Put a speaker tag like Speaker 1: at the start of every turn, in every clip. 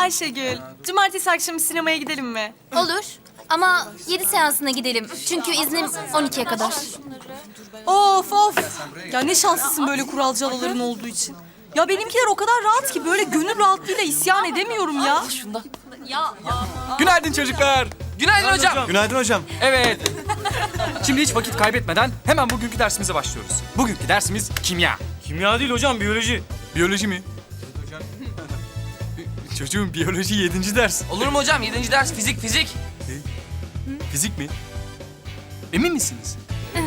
Speaker 1: Ayşegül, cumartesi akşamı sinemaya gidelim mi?
Speaker 2: Olur. Ama 7 seansına gidelim. Çünkü iznim 12'ye kadar.
Speaker 1: Of of. Ya ne şanslısın böyle kuralcıların olduğu için. Ya benimkiler o kadar rahat ki böyle gönül rahatlığıyla isyan edemiyorum ya.
Speaker 3: Günaydın çocuklar. Günaydın hocam.
Speaker 4: Günaydın hocam.
Speaker 3: Evet. Şimdi hiç vakit kaybetmeden hemen bugünkü dersimize başlıyoruz. Bugünkü dersimiz kimya.
Speaker 4: Kimya değil hocam, biyoloji.
Speaker 3: Biyoloji mi? Çocuğum biyoloji 7. ders.
Speaker 5: Olur mu hocam? 7. ders fizik.
Speaker 3: Fizik mi? Emin misiniz?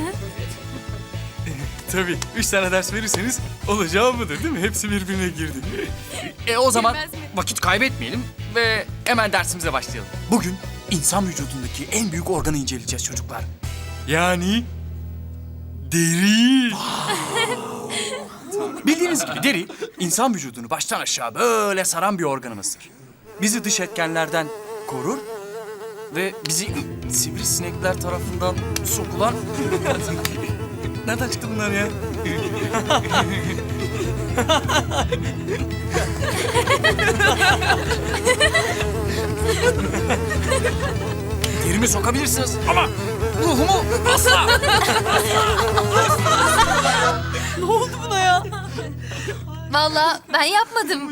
Speaker 3: Tabii. 3 tane ders verirseniz olacağı budur değil mi? Hepsi birbirine girdi. O zaman vakit kaybetmeyelim ve hemen dersimize başlayalım. Bugün insan vücudundaki en büyük organı inceleyeceğiz çocuklar. Yani deri. Bildiğiniz gibi deri insan vücudunu baştan aşağı böyle saran bir organımızdır. Bizi dış etkenlerden korur ve bizi sivrisinekler tarafından sokulan... Nereden çıktı bunlar ya? Derimi sokabilirsiniz ama ruhumu asla.
Speaker 1: Ne oldu buna ya?
Speaker 2: Vallahi ben yapmadım.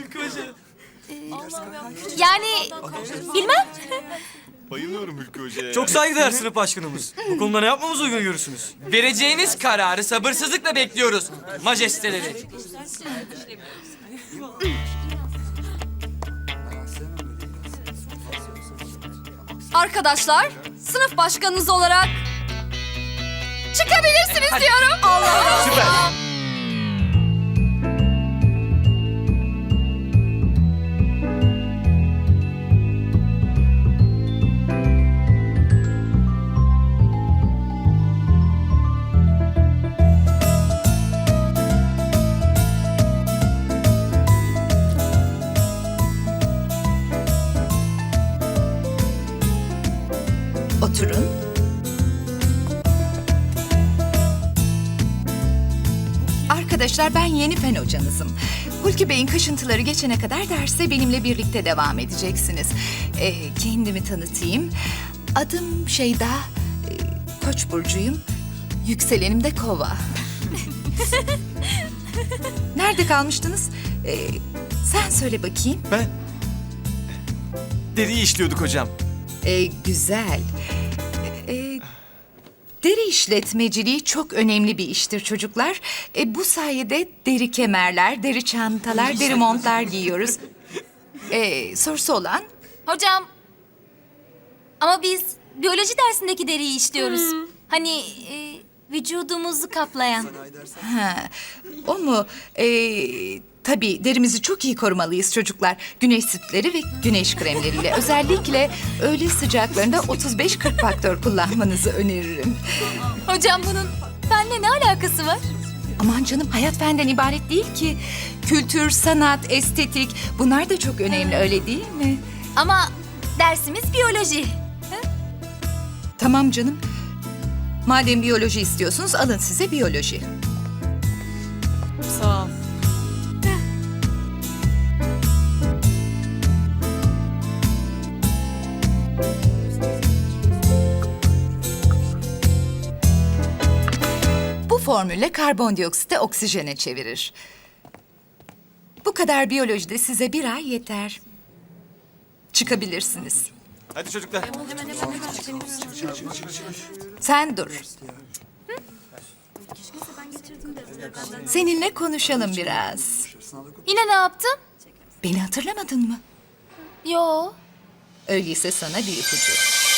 Speaker 2: Yani bilmem.
Speaker 4: Bayılıyorum Hülkü Hoca'ya.
Speaker 6: Çok saygıdeğer sınıf başkanımız. Bu konuda ne yapmamızı uygun görürsünüz?
Speaker 5: Vereceğiniz kararı sabırsızlıkla bekliyoruz majesteleri.
Speaker 2: Arkadaşlar, sınıf başkanınız olarak çıkabilirsiniz diyorum. Allah
Speaker 4: Süper.
Speaker 7: Oturun. Arkadaşlar ben yeni fen hocanızım. Hulki Bey'in kaşıntıları geçene kadar derse benimle birlikte devam edeceksiniz. Kendimi tanıtayım. Adım Şeyda, Koç burcuyum. Yükselenim de Kova. Nerede kalmıştınız? Sen söyle bakayım.
Speaker 4: Ben deriyi işliyorduk hocam.
Speaker 7: Güzel. Deri işletmeciliği çok önemli bir iştir çocuklar. Bu sayede deri kemerler, deri çantalar, deri montlar giyiyoruz. Sorusu olan?
Speaker 2: Hocam, ama biz biyoloji dersindeki deriyi işliyoruz. Hani vücudumuzu kaplayan.
Speaker 7: Ha, o mu? Tabii derimizi çok iyi korumalıyız çocuklar. Güneş sütleri ve güneş kremleriyle. Özellikle öğle sıcaklarında 35-40 faktör kullanmanızı öneririm.
Speaker 2: Hocam bunun benimle ne alakası var?
Speaker 7: Aman canım, hayat fenden ibaret değil ki. Kültür, sanat, estetik bunlar da çok önemli, öyle değil mi?
Speaker 2: Ama dersimiz biyoloji.
Speaker 7: Tamam canım. Madem biyoloji istiyorsunuz alın size biyoloji.
Speaker 1: Sağ ol.
Speaker 7: Bu formülle karbondioksiti oksijene çevirir. Bu kadar biyolojide size bir ay yeter. Çıkabilirsiniz.
Speaker 4: Hadi çocuklar.
Speaker 7: Sen dur. Seninle konuşalım biraz.
Speaker 2: Yine ne yaptım?
Speaker 7: Beni hatırlamadın mı?
Speaker 2: Yo.
Speaker 7: Öyleyse sana bir ipucu.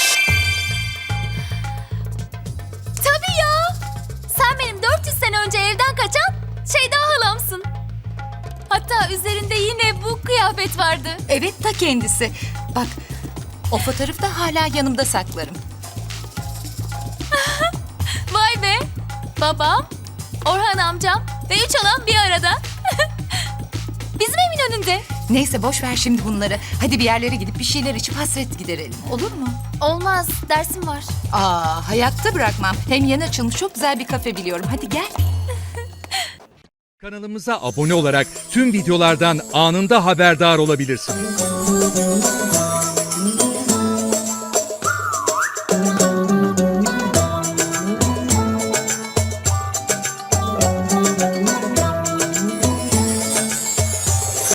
Speaker 2: Tabii ya. Sen benim 400 sene önce evden kaçan Şeyda halamsın. Hatta üzerinde yine bu kıyafet vardı.
Speaker 7: Evet, ta kendisi. Bak, o fotoğrafı da hala yanımda saklarım.
Speaker 2: Vay be. Babam, Orhan amcam ve 3 halam bir arada. Bizim evin önünde.
Speaker 7: Neyse boş ver şimdi bunları. Hadi bir yerlere gidip bir şeyler içip hasret giderelim. Olur mu?
Speaker 2: Olmaz, dersim var.
Speaker 7: Hayatta bırakmam. Hem yeni açılmış çok güzel bir kafe biliyorum. Hadi gel.
Speaker 8: Kanalımıza abone olarak tüm videolardan anında haberdar olabilirsiniz.